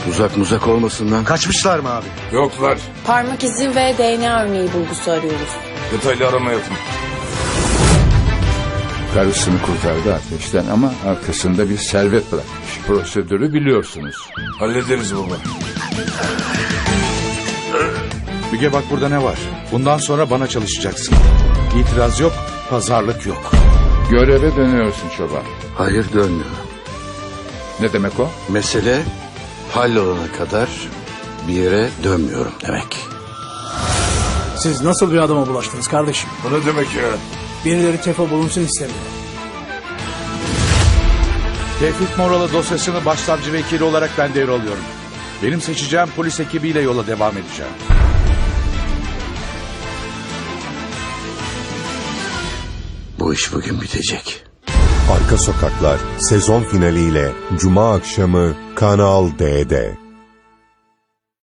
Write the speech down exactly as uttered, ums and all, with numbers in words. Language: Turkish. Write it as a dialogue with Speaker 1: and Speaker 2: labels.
Speaker 1: Uzak muzak olmasın lan.
Speaker 2: Kaçmışlar mı abi?
Speaker 3: Yoklar.
Speaker 4: Parmak izi ve D N A örneği bulgusu arıyoruz.
Speaker 3: Detaylı arama yapın.
Speaker 5: Karısını kurtardı ateşten ama arkasında bir servet bırakmış. Prosedürü biliyorsunuz.
Speaker 3: Hallederiz baba.
Speaker 2: Müge bak burada ne var? Bundan sonra bana çalışacaksın. İtiraz yok, pazarlık yok.
Speaker 5: Göreve dönüyorsun çoban.
Speaker 1: Hayır, dönmüyorum.
Speaker 5: Ne demek o?
Speaker 1: Mesele hallolana kadar bir yere dönmüyorum demek.
Speaker 6: Siz nasıl bir adama bulaştınız kardeşim?
Speaker 3: Bu ne demek ya?
Speaker 6: Birileri tefo bulunsun istemiyor.
Speaker 2: Tevfik Moralı dosyasını başsavcı vekili olarak ben devralıyorum. Benim seçeceğim polis ekibiyle yola devam edeceğim.
Speaker 1: Bu iş bugün bitecek.
Speaker 7: Arka Sokaklar sezon finaliyle Cuma akşamı Kanal D'de.